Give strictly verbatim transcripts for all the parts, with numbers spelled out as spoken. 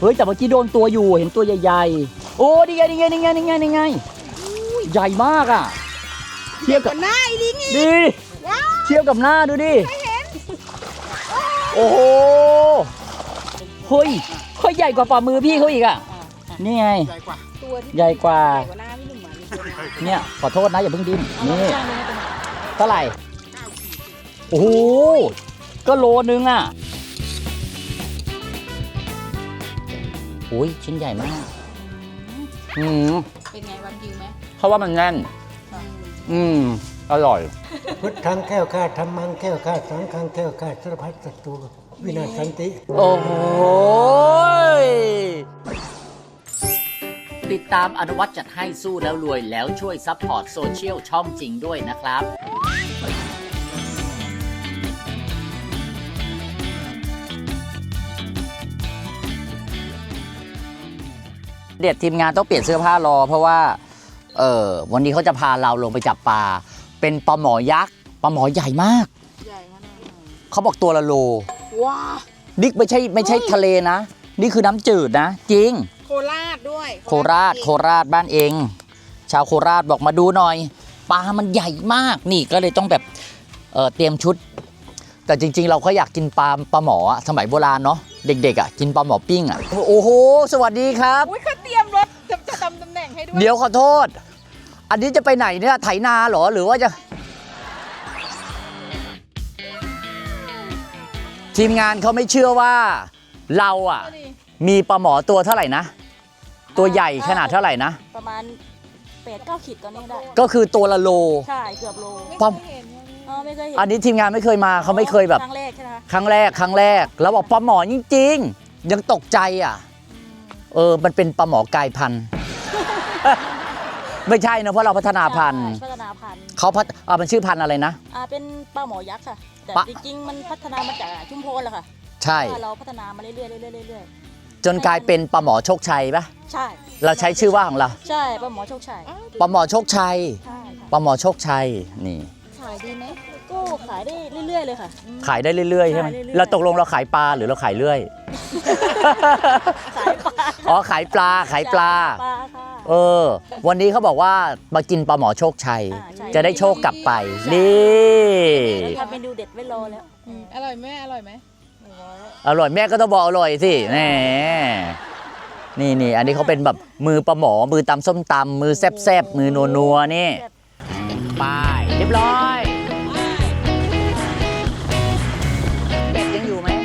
เฮ้ยแต่เมื่อกี้โดนตัวอยู่เห็นตัวใหญ่ๆโอ้นี่ไงนี่ไงนี่ไงนี่ไงนี่ไงใหญ่มากอ่ะเทียบกับหน้าดิดิเทียบกับหน้าดูดิโอ้โหเฮ้ยเขาใหญ่กว่าฝ่ามือพี่เขาอีกอ่ะนี่ไงใหญ่กว่าเนี่ยขอโทษนะอย่าเพิ่งดิ้นนี่เท่าไหร่โอ้โหก็โลนึงอ่ะโอ้ยชิ้นใหญ่มากอืมเป็นไงวันกิวไหมเขาว่ามันแน่นอืมอร่อยพุทธังแก้วข้าธรรมังแก้วข้าสังฆังแก้วข้าสารพัดศัตรูวินาศสันติโอ้โหติดตามอนุวัฒน์จัดให้สู้แล้วรวยแล้วช่วยซัพพอร์ตโซเชียลช่องจริงด้วยนะครับเด็ดทีมงานต้องเปลี่ยนเสื้อผ้ารอเพราะว่าเออวันนี้เขาจะพาเราลงไปจับปลาเป็นปลาหมอยักษ์ปลาหมอใหญ่มากใหญ่ขนาดเขาบอกตัวละโลว้านี่ไม่ใช่ไม่ใช่ทะเลนะนี่คือน้ำจืดนะจริงโคราชด้วยโคราชโคราชบ้านเองชาวโคราชบอกมาดูหน่อยปลามันใหญ่มากนี่ก็เลยต้องแบบเออเตรียมชุดแต่จริงๆเราก็อยากกินปลาปลาหมอสมัยโบราณเนาะเด็กๆอ่ะกินปลาหมอปิ้งอ่ะโอ้โหสวัสดีครับอุ้ยเขาเตรียมรถจะจะทำตำแหน่งให้ด้วยเดี๋ยวขอโทษอันนี้จะไปไหนเนี่ยไถนาเหรอหรือว่าจะทีมงานเขาไม่เชื่อว่าเราอ่ะมีปลาหมอตัวเท่าไหร่นะตัวใหญ่ขนาดเท่าไหร่นะประมาณแปดเก้าขีดตัวนี้ได้ก็คือตัวละโลใช่เกือบโลปลาไม่เคยเห็นอันนี้ทีมงานไม่เคยมาเขาไม่เคยแบบครั้งแรกใช่ไหมครั้งแรกครั้งแรกแล้วบอกปลาหมอจริงๆยังตกใจอ่ะเออมันเป็นปลาหมอกายพันธุ์ไม่ใช่นะเพราะเราพัฒนาพันธุ์พัฒนาพันธุ์เขาพัฒอ่ามันชื่อพันธุ์อะไรนะอ่าเป็นปลาหมอยักษ์ค่ะแต่จริงๆมันพัฒนามาจากชุมพรแหละค่ะใช่เราพัฒนามาเรื่อยๆเรื่อยๆเรื่อยๆจนกลายเป็นปลาหมอโชคชัยปะใช่เราใช้ชื่อว่าของเราใช่ปลาหมอโชคชัยปลาหมอโชคชัยปลาหมอโชคชัยนี่ขายดีไหมก็ขายได้เรื่อยๆเลยค่ะขายได้เรื่อยๆใช่ไหมเราตกลงเราขายปลาหรือเราขายเรื่อยขายปลาอ๋อขายปลาขายปลาเออวันนี้เขาบอกว่ามากินปลาหมอโชคชัยจะได้โชคกลับไปนี่ทำเมนูเด็ดไว้รอแล้วอร่อยไหมอร่อยไหมอร่อยแม่ก็ต้องบอกอร่อยสิแหมนี่นี่อันนี้เขาเป็นแบบมือปลาหมอมือตำส้มตำมือแซบๆมือนัวๆนี่ไปเรียบร้อยเป็ดยังอยู่ไหม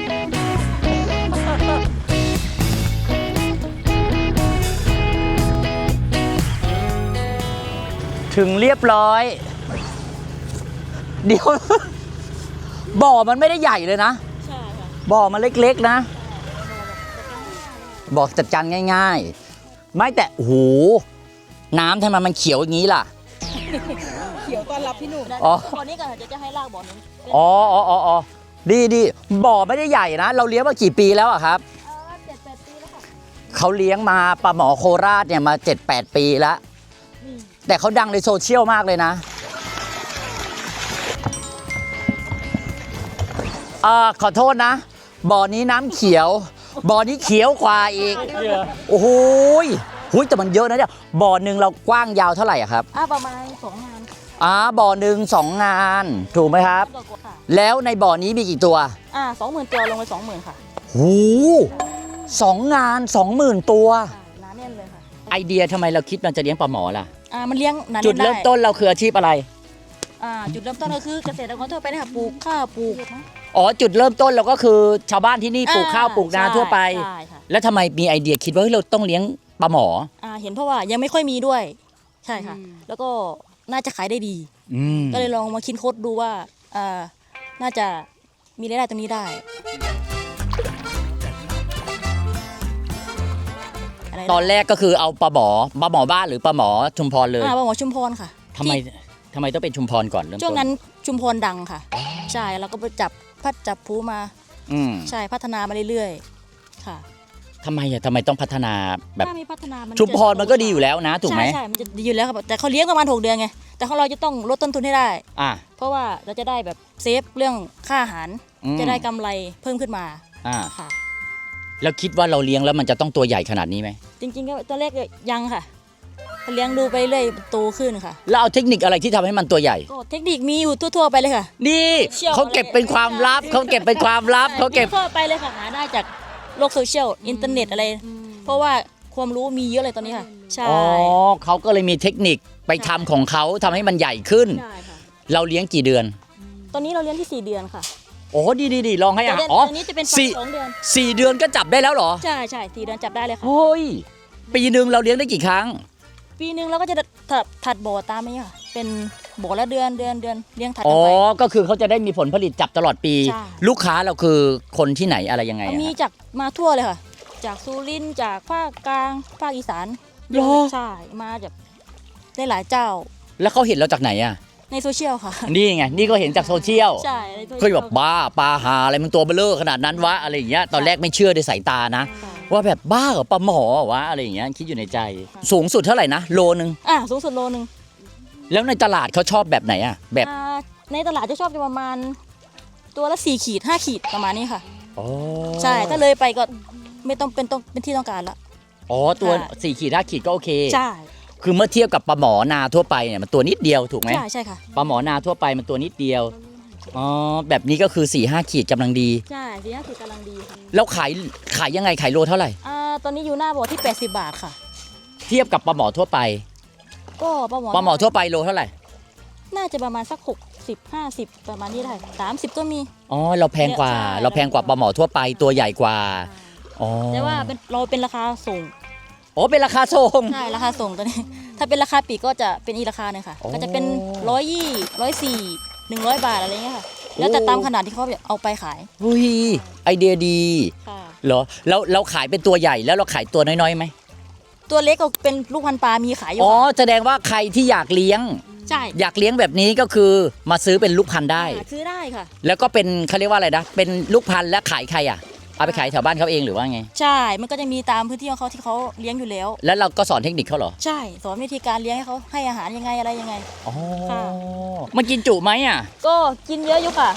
ถึงเรียบร้อยเดี๋ยวบ่อมันไม่ได้ใหญ่เลยนะใช่ค่ะบ่อมันเล็กๆนะบอกจัดการง่ายๆไม่แต่โอ้โหน้ำทำไมมันเขียวอย่างนี้ล่ะเขียวต้อนรับพี่หนุ่มนะตอนนี้ก่อนจะจะให้ลากบ่อนึงอ๋ออ๋ออ๋อดีดีบ่อไม่ได้ใหญ่นะเราเลี้ยงมากี่ปีแล้วอะครับเจ็ดแปดปีแล้วค่ะเขาเลี้ยงมาปลาหมอโคราชเนี่ยมาเจ็ดแปดปีแล้วแต่เขาดังในโซเชียลมากเลยนะอ่าขอโทษนะบ่อนี้น้ำเขียวบ่อนี้เขียวกว่าอีกโอ้โหหุยแต่มันเยอะนะเนี่ยบ่อหนึ่งเรากว้างยาวเท่าไหร่อะครับอ่าประมาณสองงานอ่าบ่อหนึ่งสองงานถูกไหมครับแล้วในบ่อนี้มีกี่ตัวอ่าสองหมื่นตัวลงไปสองหมื่นค่ะหูสองงานสองหมื่นตัวน้าแน่นเลยค่ะไอเดียทำไมเราคิดมันจะเลี้ยงปลาหมอล่ะอ่ามันเลี้ยงจุดเริ่มต้นเราคืออาชีพอะไรอ่าจุดเริ่มต้นก็คือเกษตรกรทั่วไปนะคะปลูกข้าวปลูกอ๋อจุดเริ่มต้นเราก็คือชาวบ้านที่นี่ปลูกข้าวปลูกนาทั่วไปแล้วทำไมมีไอเดียคิดว่าเราต้องเลี้ยงปลาหมออ่าเห็นเพราะว่ายังไม่ค่อยมีด้วยใช่ค่ะแล้วก็น่าจะขายได้ดีก็เลยลองมาคิดค้นดูว่าอ่าน่าจะมีรายได้ตรงนี้ได้ตอนแรกก็คือเอาปลาหมอปลาหมอบ้านหรือปลาหมอชุมพรเลยอ่าปลาหมอชุมพรค่ะทำไมทำไมต้องเป็นชุมพรก่อนเริ่มต้นช่วงนั้นชุมพรดังค่ะใช่แล้วก็ไปจับพัดจับผูมาใช่พัฒนามาเรื่อยๆค่ะทำไมอ่ะทำไมต้องพัฒนาแบบถ้ามีพัฒนาชุมพรมันก็ดีอยู่แล้วนะถูกไหมใช่ใช่มันจะดีอยู่แล้วครับแต่เขาเลี้ยงประมาณหกเดือนไงแต่ของเราจะต้องลดต้นทุนให้ได้อ่าเพราะว่าเราจะได้แบบเซฟเรื่องค่าอาหารจะได้กำไรเพิ่มขึ้นมาอ่าค่ะแล้วคิดว่าเราเลี้ยงแล้วมันจะต้องตัวใหญ่ขนาดนี้ไหมจริงๆก็ตอนแรกก็ยังค่ะเลี้ยงดูไปเรื่อยโตขึ้นค่ะแล้วเอาเทคนิคอะไรที่ทำให้มันตัวใหญ่ก็เทคนิคมีอยู่ทั่วๆไปเลยค่ะนี่เชี่ยวเขาเก็บเป็นความลับเขาเก็บเป็นความลับเขาเก็บทั่วไปเลยค่ะหาได้จากโลกโซเชียลอินเทอร์เน็ตอะไร เพราะว่าความรู้มีเยอะเลยตอนนี้ค่ะ ใช่อ๋อเขาก็เลยมีเทคนิคไปทำของเขาทำให้มันใหญ่ขึ้นใช่ค่ะเราเลี้ยงกี่เดือนตอนนี้เราเลี้ยงที่สี่เดือนค่ะโอ้ดีดีดีลองให้แต่อ่ะเดือนอ๋อตอนนี้จะเป็นสี่สองเดือนสี่เดือนก็จับได้แล้วเหรอใช่ใช่สี่เดือนจับได้เลยค่ะเฮ้ยปีหนึ่งเราเลี้ยงได้กี่ครั้งปีหนึ่งเราก็จะถัดถัดบ่อตามนี้ค่ะ เป็นบ่อละเดือนเดือนเดือนเลี้ยงถัดอ๋กัอนไปก็คือเขาจะได้มีผลผลิตจับตลอดปีใช่ลูกค้าเราคือคนที่ไหนอะไรยังไงอะมีจากมาทั่วเลยค่ะ จากสุรินทร์จากภาคกลางภาคอีสานเหรอใช่มาจากได้หลายเจ้าแล้วเขาเห็นเราจากไหนอ่ะในโซเชียลค่ะนี่ไงนี่ก็เห็นจากโซเชียลใช่ในโซชียลเคยแบบบ้าปลาหาอะไรมันตัวเบลอขนาดนั้นวะอะไรอย่างเงี้ยตอนแรกไม่เชื่อด้วยสายตานะค่ะว่าแบบบ้าเหรอปลาหมอเหรอวะอะไรอย่างเงี้ยคิดอยู่ในใจ สูงสุดเท่าไหร่นะโลนึงอ่ะสูงสุดโลนึงแล้วในตลาดเขาชอบแบบไหนอ่ะแบบอ่าในตลาดจะชอบจะประมาณ ตัวละสี่ขีดห้าขีดประมาณนี้ค่ะอ๋อใช่ถ้าเลยไปก็ไม่ต้องเป็นต้องเป็นที่ต้องการละอ๋อตัวค่ะสี่ขีดห้าขีดก็โอเคใช่คือเมื่อเทียบกับปลาหมอนาทั่วไปเนี่ยมันตัวนิดเดียวถูกไหมใช่ใช่ค่ะปลาหมอนาทั่วไปมันตัวนิดเดียวอ๋อแบบนี้ก็คือสี่ห้าขีดกำลังดีใช่สี่ห้าขีดกำลังดีค่ะแล้วขายขายยังไงขายโลเท่าไหร่อ่าตอนนี้อยู่หน้าบ่อที่แปดสิบบาทค่ะเทียบกับปลาหมอทั่วไปก็ปลาหมอปลาหมอทั่วไปโลเท่าไหร่น่าจะประมาณสักหกสิบห้าสิบประมาณนี้ได้สามสิบก็มีอ๋อเราแพงกว่าใช่เราแพงกว่าปลาหมอทั่วไปตัวใหญ่กว่าอ๋อแต่ว่าเป็นเราเป็นราคาส่งอ๋อเป็นราคาส่งใช่ราคาส่งตัวนี้ ถ้าเป็นราคาปลีกก็จะเป็นอีกราคาหนึ่งค่ะโอ้ก็จะเป็นร้อยยี่ร้อยสี่หนึ่งร้อยบาทอะไรเงี้ยค่ะ แล้วแต่ตามขนาดที่เขาเอาไปขายเฮ้ยไอเดียดีค่ะเหรอแล้วเราขายเป็นตัวใหญ่แล้วเราขายตัวน้อยๆไหมตัวเล็กก็เป็นลูกพันปลา มีขายอยู่อ๋อค่ะแสดงว่าใครที่อยากเลี้ยงใช่อยากเลี้ยงแบบนี้ก็คือมาซื้อเป็นลูกพันธุ์ได้หาซื้อได้ค่ะแล้วก็เป็นเขาเรียกว่าอะไรนะเป็นลูกพันธุ์และขายใครอ่ะเอาไปขายแถวบ้านเขาเองหรือว่าไงใช่ มันก็จะมีตามพื้นที่ของเขาที่เขาเลี้ยงอยู่แล้วแล้วเราก็สอนเทคนิคเขาเหรอใช่ สอนวิธีการเลี้ยงให้เขาให้อาหารยังไงอะไรยังไงอ๋อค่ะมันกินจุไหมอ่ะก็กินเยอะอยู่ค่ะ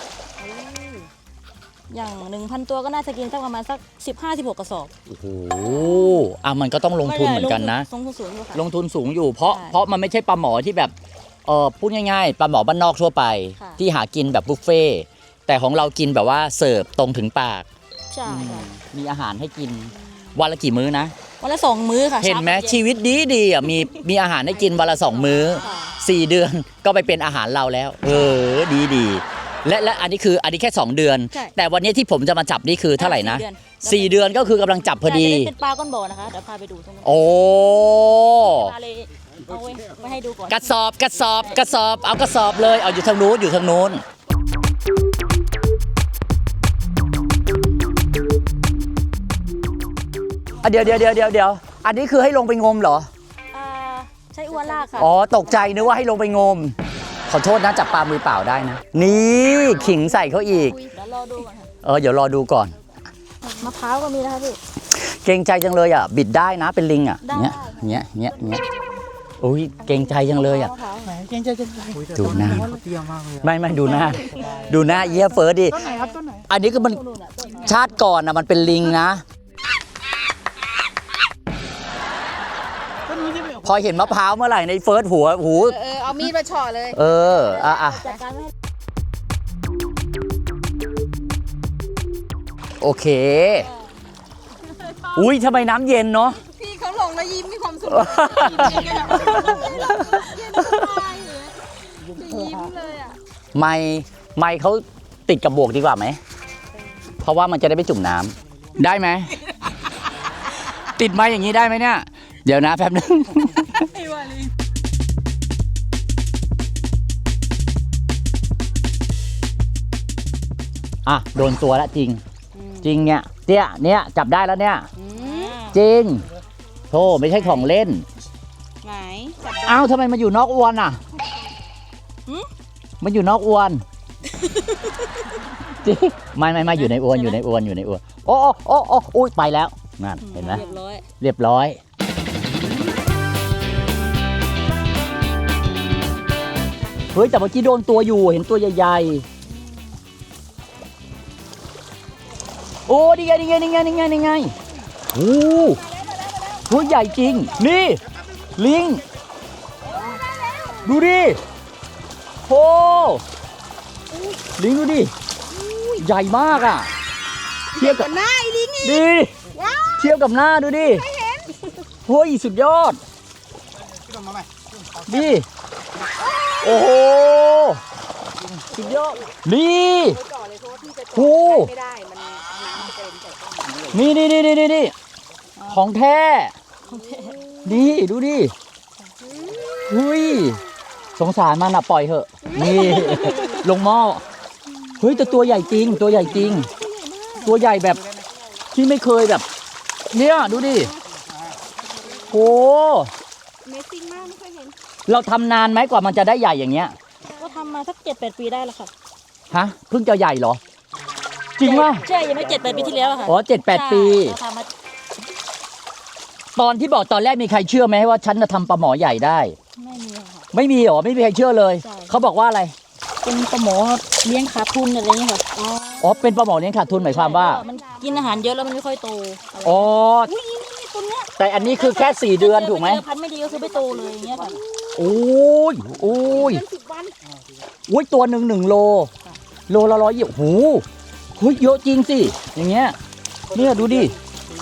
อย่างหนึ่งพันตัวก็น่าจะกินสักประมาณสักสิบห้าสิบหกกระสอบโอ้โหอ่ะมันก็ต้องลงทุนเหมือนกันนะลงทุนสูงอยู่ค่ะลงทุนสูงอยู่เพราะใช่เพราะมันไม่ใช่ปลาหมอที่แบบเออพูดง่ายๆปลาหมอบ้านนอกทั่วไปค่ะที่หากินแบบบุฟเฟ่ต์แต่ของเรากินแบบว่าเสิร์ฟตรงถึงปากใช่ค่ะมีอาหารให้กินวันละกี่มื้อนะวันละสองมื้อค่ะเห็นไหมช้ากับย็ชีวิตดีดีๆอ่ะมีมีอาหารให้กินวันละสองมื้อค่ะสี่เดือนก็ไปเป็นอาหารเราแล้ว เออดีดีและและอันนี้คืออันนี้แค่สองเดือนใช่แต่วันนี้ที่ผมจะมาจับนี่คือเท่าไหร่นะสี่เดือนสี่เดือนก็คือกำลังจับพอดีใช่จะได้เป็นปลาก้นบ่อนะคะ เดี๋ยวพาไปดูตรงนู้นโอ้ปลาเลยเอาไว้ไว้ให้ดูก่อนกระสอบกระสอบกระสอบเอากระสอบเลยเอาอยู่ทางนู้นอยู่ทางนู้นอ่ะเดี๋ยวเดี๋ยวเดี๋ยวเดี๋ยวเดี๋ยวอันนี้คือให้ลงไปงมเหรออ่าใช้อวนลากค่ะอ๋อตกใจนึกว่าให้ลงไปงม ขอโทษนะจับปลามือเปล่าได้นะ นี่ขิงใส่เขาอีกเดี๋ยวรอดูก่อนค่ะเออเดี๋ยวรอดูก่อนมะพร้าวก็มีนะคะพี่เกรงใจจังเลยอ่ะ บิดได้นะเป็นลิงอ่ะได้เนี้ยเนี้ยเนี้ยเนี้ยอุ้ยเกรงใจจังเลยอ่ะมะพร้าวไหนเกรงใจจะดูหน้าเขาเตี้ยมากเลยอะไม่ไม่ดูหน้า ดูหน้าเยี่ยเฟิร์สดิต้นไหนครับต้นไหนอันนี้ก็มันนู่นน่ะต้นชาติก่อนอ่ะมันเป็นลิงนะต้นนี้ที่ไปออกพอเห็นมะพร้าวเมื่อไหร่ในเฟิร์สหัวหูเออ เอามีดมาเฉาะเลยเอออ่ะอ่ะจัดการไม่ให้โอเค อุ้ยทำไมน้ำเย็นเนาะพี่เขาลงแล้วยิ้มมีความสุขยิ้มเลยอ่ะไม่ไม่เขาติดกับบวกดีกว่าไหม เพราะว่ามันจะได้ไม่จุ่มน้ำได้ไหม ติดไม้อย่างนี้ได้ไหมเนี่ย เดี๋ยวนะแป๊บนึง อ่ะ โดนตัวแล้วจริง จริงเนี่ยเตี้ยเนี่ยจับได้แล้วเนี่ย จริงโธ่ไม่ใช่ของเล่นไหนอ้าวทำไมมันอยู่นอกอวนอ่ะมันอยู่นอกอวนจริงไม่ไม่ไม่อยู่ในอวนอยู่ในอวนอยู่ในอวนโอ้โอ้โอ้โอ้อุ้ยไปแล้วนั่นเห็นไหมเรียบร้อยเรียบร้อยเฮ้ยแต่เมื่อกี้โดนตัวอยู่เห็นตัวใหญ่ๆโอ้ดีไงดีไงดีไงดีไงดีไงโอ้ตัวใหญ่จริงนี่ลิงดูดิโอ้ลิงดูดิใหญ่มากอ่ะเทียบกับหน้าไอ้ลิงอีกดิเทียบกับหน้าดูดิเฮ้ยสุดยอดดิโอ้โหสุดยอดนี่โอ้ไม่ได้มันน้ำจะเกินใส่กล้องนี่นี่นี่นี่นี่ของแท้นี่ดูดิเฮ้ยสงสารมันอะปล่อยเถอะนี่ลงหม้อเฮ้ยแต่ตัวใหญ่จริงตัวใหญ่จริง ตัวใหญ่แบบที่ไม่เคยแบบเนี่ยดูดิโอ้เมซิ่งมากไม่เคยเห็นเราทำนานไหมกว่ามันจะได้ใหญ่อย่างเงี้ยก็ทำมาสักเจ็ดแปดปีได้แล้วค่ะฮะเพิ่งจะใหญ่เหรอจริงป่ะใช่ยังไม่เจ็ดแปดปีที่แล้วอะค่ะอ๋อเจ็ดแปดปีใช่เราทำมาตอนที่บอกตอนแรกมีใครเชื่อไหมว่าฉันจะทำปลาหมอใหญ่ได้ไม่มีอะค่ะไม่มีหรอไม่มีใครเชื่อเลยใช่เขาบอกว่าอะไรเป็นปลาหมอเลี้ยงขาดทุนอะไรอย่างเงี้ยค่ะอ๋อเป็นปลาหมอเลี้ยงขาดทุนหมายความว่ามันกินอาหารเยอะแล้วมันไม่ค่อยโตอะไรอ๋ออุ้ยนี่ตัวเนี้ยแต่อันนี้คือแค่สี่เดือนถูกไหมเจอพันธุ์ไม่ดีก็คือไม่โตเลยอย่างเงี้ยค่ะโอ้ยโอ้ยเป็นสิบวันโอ้ยตัวหนึ่งหนึ่งโล โลละร้อยยี่โอ้โหเฮ้ยเยอะจริงสิอย่างเงี้ยเนี่ยดูดิ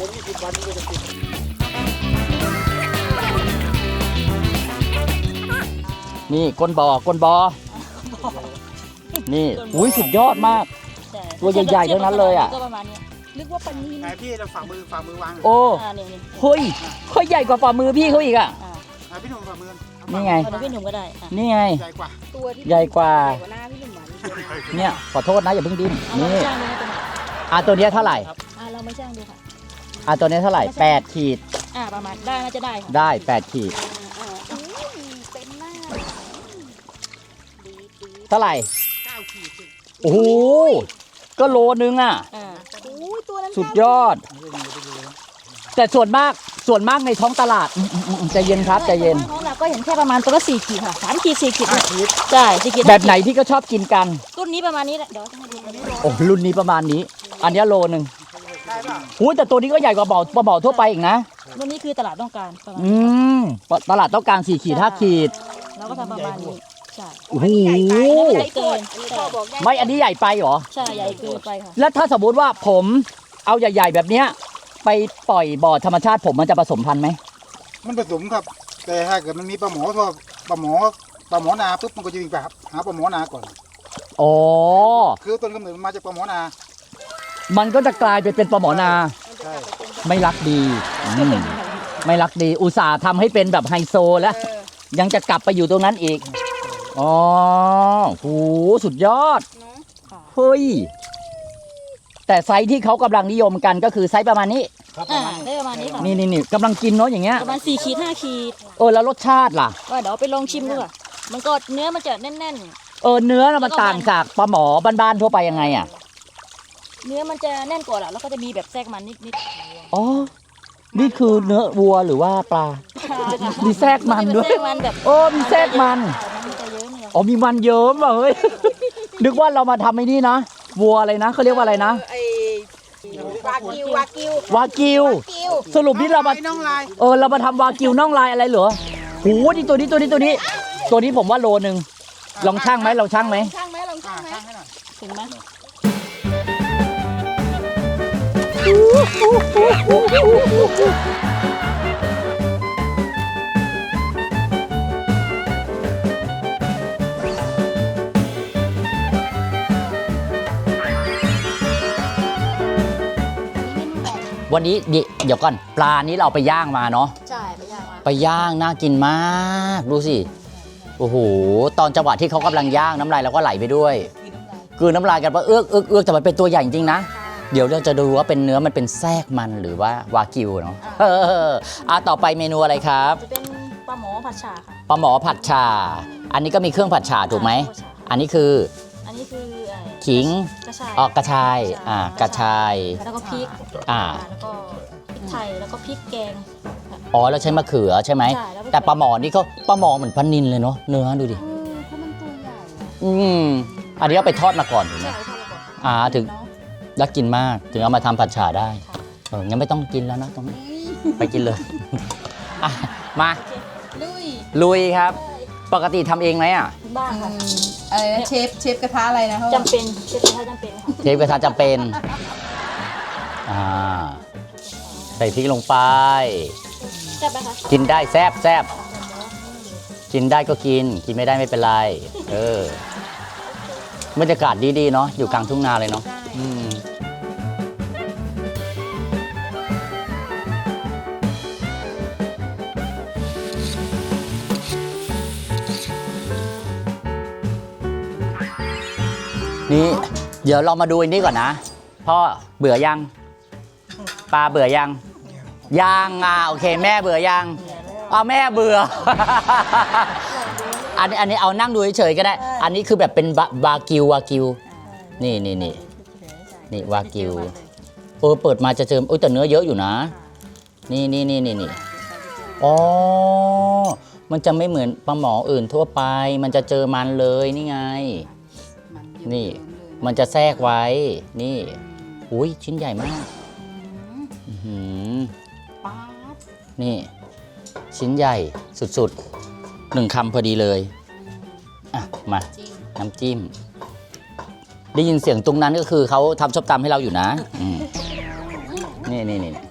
นี่ก้นบอ่อก้นบอ่อนี่อุ้ยสุดยอดมากใช่ตัวใหญ่ๆทั้งนั้นเลยอะก็ประมาณเนี้ยนึกว่าปลานีนไหนพี่เราฝ่ามือฝ่ามือวางโอ้อ่านี่นี่เฮ้ยเฮ้ยใหญ่กว่าฝ่ามือพี่เขาอีกอ่ะอ่าไหนพี่หนุ่มฝ่ามือนี่ไงเอาเดี๋ยวพี่หนุ่มก็ได้อ่ะนี่ไงใหญ่กว่าตัวที่ใหญ่กว่าใหญ่กว่าหน้าพี่หนุ่มหวานเนี่ยขอโทษนะอย่าเพิ่งดิ้นเอาเรานี่ไม่ช่างดูนะตัวไหนอ่ะตัวเนี้ยเท่าไหร่อ่าเราไม่ช่างดูค่ะอ่ะตัวเนี้ยเท่าไหร่แปดขีดอ่าประมาณได้น่าจะได้ค่ะได้แปดขีดเต็มหน้าเท่าไหร่เก้าขีดโอ้โหก็โลนึงอ่ะอ่าอุ้ยตัวนั้นสุดยอด แต่ส่วนมากส่วนมากในท้องตลาดอืมอืมอืมใจเย็นครับใจเย็นน้องเราก็เห็นแค่ประมาณตัวละสี่ขีดค่ะสามขีดสี่ขีดเนี่ยใช่สี่ขีดแบบไหนที่ก็ชอบกินกันรุ่นนี้ประมาณนี้แหละเดี๋ยวจะให้ดูอันนี้โอ้รุ่นนี้ประมาณนี้ อันเนี้ยโลนึงได้ป่ะหูแต่ตัวนี้ก็ใหญ่กว่าบ่อปลาบ่อทั่วไปอีกนะรุ่นนี้คือตลาดต้องการประมาณอืมตลาดต้องการสี่ขีดห้าขีดเราก็ทำประมาณนี้ใช่โอ้โหใหญ่เกินอันนี้พ่อบอกได้ไม่อันนี้ใหญ่ไปเหรอใช่ใหญ่เกินไปค่ะแล้วถ้าสมมติว่าผมเอาใหญ่ ๆ แบบเนี้ยไปปล่อยบ่อธรรมชาติผมมันจะผสมพันธุ์ไหมมันผสมครับ แต่ถ้าเกิดมันมีปลาหมอทั่วปลาหมอปลาหมอนาปุ๊บมันก็จะวิ่งไปหาปลาหมอนาก่อนอ๋อคือต้นกำเนิดมันมาจากปลาหมอนามันก็จะกลายไปเป็นปลาหมอนาใช่ไม่รักดีอืมไม่รักดี อุตส่าห์ทำให้เป็นแบบไฮโซแล้ว ยังจะกลับไปอยู่ตรงนั้นอีก อ๋อโหสุดยอด เฮ้ย แต่ไซส์ที่เขากำลังนิยมกันก็คือไซส์ประมาณนี้ครับอ่าได้ประมาณนี้ค่ะนี่นี่นี่กำลังกินเนาะอย่างเงี้ยประมาณสี่ขีดห้าขีดเออแล้วรสชาติล่ะว่าเดี๋ยวเอาไปลองชิมดูค่ะมันก็เนื้อมันจะแน่นเออเนื้อน่ะมันต่างจากปลาหมอบ้านๆทั่วไปยังไงอ่ะๆ เนื้อมันจะแน่นกว่าแหละแล้วก็จะมีแบบแทรกมันนิดอ๋อ นี่คือเนื้อวัวหรือว่าปลาๆมีแทรกมันด้วยแทรกมันแบบโอ้มีแทรกมันมันจะเยอะเนี่ยอ๋อมีมันเยิ้มว่ะเฮ้ย นึกว่าเรามาทำไอ้นี่นะ วัวอะไรนะเขาเรียกว่าอะไรนะไอ้วากิววากิววากิวกิวสรุปนี่เรามาน้องลายเออเรามาทำวากิวน่องลายอะไรเหรอโหนี่ตัวนี้ตัวนี้ตัวนี้ ตัวนี้ผมว่าโลนึง ลองช่างไหมลองช่างไหมช่างไหมลองอ่าช่างไหมช่างให้หน่อยเห็นไหมวันนี้เดี๋ยวเดี๋ยวก่อนปลานี้เราเอาไปย่างมาเนาะใช่ไปย่างมาไปย่างน่ากินมาก ดูสิ โอ้โห ตอนจังหวะที่เขากำลังย่างน้ำลายเราก็ไหลไปด้วย คือน้ำลายกันว่าเอื้อกเอื้อกเอื้อกแต่มันเป็นตัวใหญ่จริงๆนะ เดี๋ยวเราจะดูว่าเป็นเนื้อมันเป็นแทรกมันหรือว่าวากิวเนาะเอออ่ะต่อไปเมนูอะไรครับจะเป็นปลาหมอผัดฉ่าค่ะปลาหมอผัดฉ่า อันนี้ก็มีเครื่องผัดฉ่าถูกไหม อันนี้คืออันนี้คือเอ่อขิงกระชายออกกระชาย อ่ากระชายแล้วก็พริกอ่าแล้วก็พริกไทยแล้วก็พริกแกงอ๋อแล้วใช้มะเขือใช่ไหมใช่แล้วก็แต่ปลาหมอนี่เขาปลาหมอเหมือนปลานิลเลยเนาะ เนื้อดูดิเออเพราะมันตัวใหญ่อะอืม อันนี้เอาไปทอดมาก่อนถูกไหมใช่ทอดแล้วก็อ่าถึงน่ากินมากถึงเอามาทำผัดฉ่าได้เอองั้นไม่ต้องกินแล้วนะตรงนี้ไปกินเลยอ่ะมาลุยลุยครับ ปกติทำเองไหมอ่ะบ้างค่ะอะไรนะเชฟเชฟกระทะอะไรนะเขาจำเป็นเชฟกระทะจำเป็นค่ะเชฟกระทะจำเป็นอ่าใส่พริกลงไปใช่ไหมคะกินได้แซบแซบกินได้ก็กิน กินไม่ได้ไม่เป็นไร เออบรรยากาศดีๆเนาะอยู่กลางทุ่งนาเลยเนาะอืมนี่เดี๋ยวเรามาดูอันนี้ก่อนนะพ่อเบื่อยังปลาเบื่อยังยังอ่ะโอเคแม่เบื่อยังเอาแม่เบื่อ อันนี้อันนี้เอานั่งดูเฉยๆก็ได้ อันนี้คือแบบเป็นบาบากิววากิวนี่นี่นี่นี่วากิวเออเปิดมาจะเจอโอ้ยแต่เนื้อเยอะอยู่นะ นี่นี่นี่นี่นี่อ๋อมันจะไม่เหมือนปลาหมออื่นทั่วไป มันจะเจอมันเลยนี่ไง นี่มันจะแทรกไว้ นี่อุ้ยชิ้นใหญ่มากอื้อหือนี่ ชิ้นใหญ่สุดๆหนึ่งคำพอดีเลยอ่ะมาน้ำจิ้ม ได้ยินเสียงตรงนั้นก็คือเขาทำชอบตำให้เราอยู่นะอืมนี่นี่นี่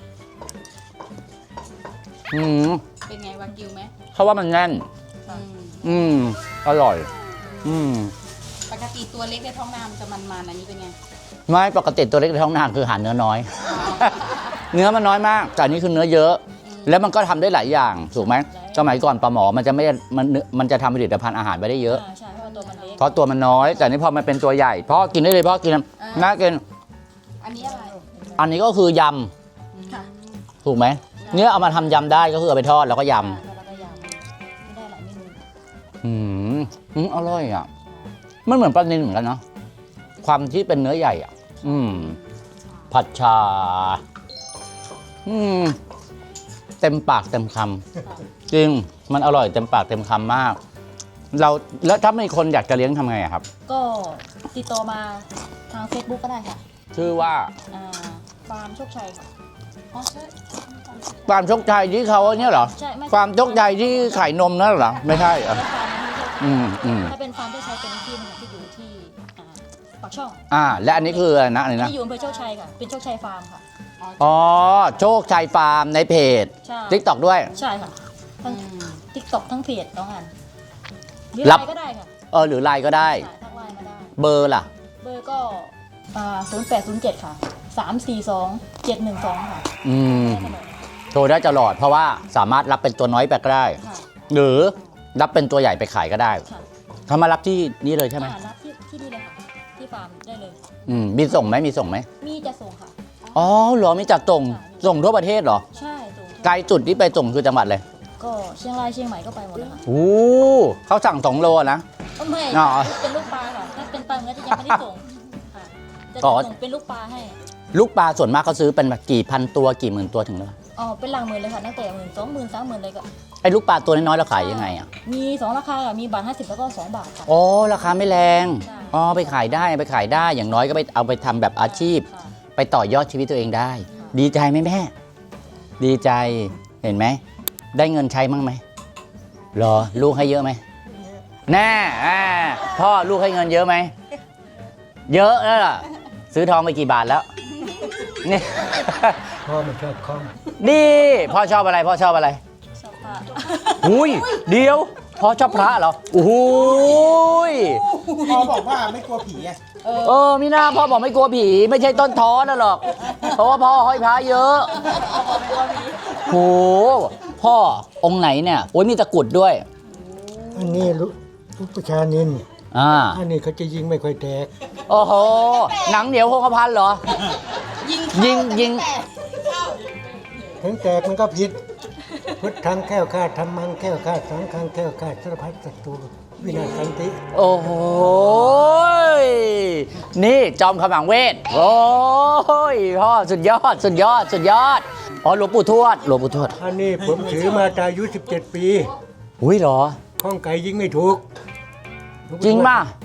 อืมเป็นไงวากิวไหมเขาว่ามันแน่นอืมอืมอร่อย อืมปกติตัวเล็กในท้องนามันจะมันๆอันนี้เป็นไงไม่ปกติตัวเล็กในท้องนาคือหาเนื้อน้อย เนื้อมันน้อยมากแต่อันนี้คือเนื้อเยอะ แล้วมันก็ทำได้หลายอย่างถูกไหมสมัยก่อนปลาหมอมันจะไม่มันมันจะทำผลิตภัณฑ์อาหารไปได้เยอะอ่าใช่เพราะตัวมันเล็กเพราะตัวมันน้อย แต่นี่พอมันเป็นตัวใหญ่พ่อกินได้เลยพ่อกินน่ากินอันนี้อะไรอันนี้ก็คือยค่ะำถูกไหมเนื้อเอามาทำยำได้ก็คือเอาไปทอดแล้วก็ยแล้วก็ยำไม่ได้หลายเมนูำอืมอืมอร่อยอ่ะมันเหมือนปลานิลเหมือนกันเนาะความที่เป็นเนื้อใหญ่อ่ะ อืมผัดชาอืมเต็มปากเต็มคำจริงมันอร่อยเต็มปากเต็มคำมาก เราแล้วถ้ามีคนอยากจะเลี้ยงทำไงอะครับก็ติดต่อมาทาง Facebook ก็ได้ค่ะชื่อว่าอ่าฟาร์มโชคชัยค่ะอ๋อใช่ฟาร์มโชคชัยที่เขาเนี่ยเหรอใช่ไม่ฟาร์มโชคชัยที่ขายนมนั่นเหรอไม่ใช่เหรอฟาร์มนั้นไม่ใช่อืมอืมถ้าเป็นฟาร์มโชคชัยเป็นที่หนึงที่อยู่ที่อ่าปากช่องอ่า และอันนี้คืออะไรนะอะไรนะที่อยู่อำเภอโชคชัยค่ะเป็นโชคชัยฟาร์มค่ะอ๋อโชคชัยฟาร์มในเพจใช่ทิกตอกด้วยใช่ค่ะทั้งทิกตอกทั้งเพจน้องอันหรือรับไลน์ก็ได้ค่ะเออหรือไลน์ก็ได้สายทักไลน์มาได้เบอร์ล่ะเบอร์ก็ศูนย์แปดศูนย์เจ็ดค่ะสามสี่สองเจ็ดหนึ่งสองค่ะอืมได้ตลอดโทรได้ตลอดเพราะว่าสามารถรับเป็นตัวน้อยไปก็ได้ค่ะหรือรับเป็นตัวใหญ่ไปขายก็ได้ค่ะถ้ามารับที่นี่เลยใช่ไหมอ่ารับที่ที่นี่เลยค่ะ ที่ฟาร์มได้เลยอืมมีส่งไหมมีส่งไหมมีจะส่งค่ะอ๋อเหรอมีจัดส่งส่งทั่วประเทศเหรอใช่ส่งไกลจุดที่ไปส่งคือจังหวัดเลยก็เชียงรายเชียงใหม่ก็ไปหมดเลยค่ะโอ้เขาสั่งสองโลนะเอ้าไม่อ๋อเป็นลูกปลาค่ะถ้าเป็นปลาเนื้อจะยังไม่ได้ส่งค่ะจะอ๋อส่งเป็นลูกปลาให้ลูกปลาส่วนมากเขาซื้อเป็นแบบกี่พันตัวกี่หมื่นตัวถึงแล้วอ๋อเป็นหลังหมื่นเลยค่ะตั้งแต่หมื่นสองหมื่นสามหมื่นเลยก็ไอ้ลูกปลาตัวน้อยๆเราขายยังไงอ่ะมีสองราคาค่ะมีบาทห้าสิบแล้วก็สองบาทค่ะอ๋อราคาไม่แรงใช่อ๋อไปขายได้ไปขายได้อย่างน้อยก็ไปเอาไปทำแบบอาชีพค่ะไปต่อยอดชีวิตตัวเองได้ค่ะดีใจไหมแม่ ดีใจเห็นไหมได้เงินใช้มั้งไหมรอลูกให้เยอะไหมแน่อ่าพ่อลูกให้เงินเยอะไหมเยอะแล้วล่ะซื้อทองไปกี่บาทแล้วนี่พ่อมันชอบคล้องดีพ่อชอบอะไรพ่อชอบอะไรชอบปลาอุ้ยเดี๋ยวพ่อชอบพระเหรอโอ้โหยพ่อบอกว่าไม่กลัวผีอะเออมีหน้าพ่อบอกไม่กลัวผีไม่ใช่ต้นท้อนะหรอกเพราะว่าพ่อห้อยพระเยอะโหพ่อองค์ไหนเนี่ยโอ้ยมีตะกรุดด้วยอันนี้ลูกลูกประชานินอ่าอันนี้เขาจะยิงไม่ค่อยแตกโอ้โหหนังเหนียวโคงกระพันเหรอ ยิงยิงถึงแตกมันก็ผิด พุทธังแก้วข้าธรรมังแก้วข้าสังฆังแก้วข้าสารพัดศัตรูวินาศสันติโอ้โหยนี่จอมขมังเวทโอ้ยพ่อสุดยอดสุดยอดสุดยอดอ๋อหลวงปู่ทวดหลวงปู่ทวดอันนี้ผมถือมาแต่อายุสิบเจ็ดปีอุ้ยเหรอข้องไก่ยิงไม่ถูกจริงป่ะ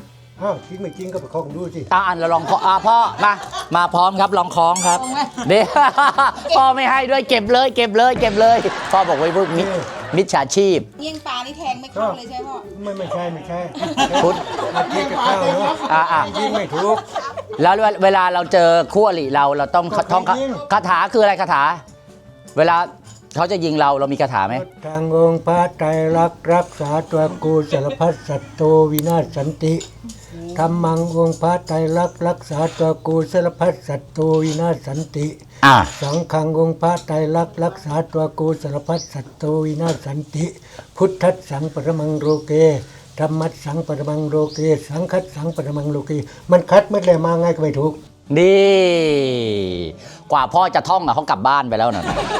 อ้าวจริงไม่จริงก็ไปคล้องดูสิอ่านเราลองขออ่าพ่อมามาพร้อมครับลองคล้องครับเดี๋ยว พ่อไม่ให้ด้วยเก็บเลยเก็บเลยเก็บเลยพ่อบอกไว้พวกมิจมิจฉาชีพเงี้ยงปลานี่แทงไม่เข้าเลยใช่ไหมพ่อไม่ไม่ใช่ไม่ใช่พุทธอาทิตย์จะเข้าเนาะอ่าอ่ายิงไม่ถูกแล้วเวลาเราเจอคู่อริเราเราต้องก็ท่องไม่ยิงคาถาคืออะไรคาถา เวลาเขาจะยิงเราเรามีคาถาไหมทางองค์พระไตรลักษณ์รักษาตัวกูสารพัดสัตว์โตวินาศสันติธรรมังองค์พระไตรลักษณ์รักษาตัวกูสารพัดสัตว์โตวินาศสันติอ่าสังฆังองค์พระไตรลักษณ์รักษาตัวกูสารพัดสัตว์โตวินาศสันติ พุทธัสสังปรมังโลเกธรรมัสสังปรมังโลเกสังคัสสังปรมังโลเกมันคัดไม่เลยมาไงก็ไม่ถูกนี่กว่าพ่อจะท่องอะเขากลับบ้านไปแล้วนะ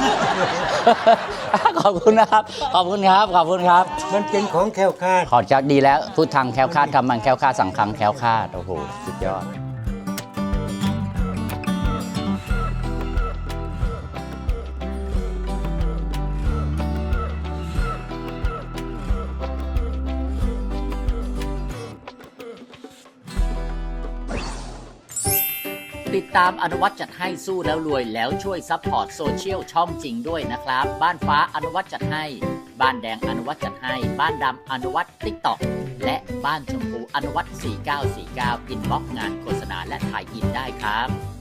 ขอบคุณนะครับขอบคุณครับขอบคุณครับมันเป็นของแคล้วคลาดขอจักดีแล้วพูดทางแคล้วคลาดทำมันแคล้วคลาดสังคังแคล้วคลาดโอ้โหสุดยอด ติดตามอนุวัตจัดให้สู้แล้วรวยแล้วช่วยซัพพอร์ตโซเชียลช่องจริงด้วยนะครับ บ้านฟ้าอนุวัตจัดให้ บ้านแดงอนุวัตจัดให้ บ้านดำอนุวัตติ๊กต็อกและบ้านชมพูอนุวัตสี่เก้าสี่เก้าอินบ็อกซ์งานโฆษณาและถ่ายอินได้ครับ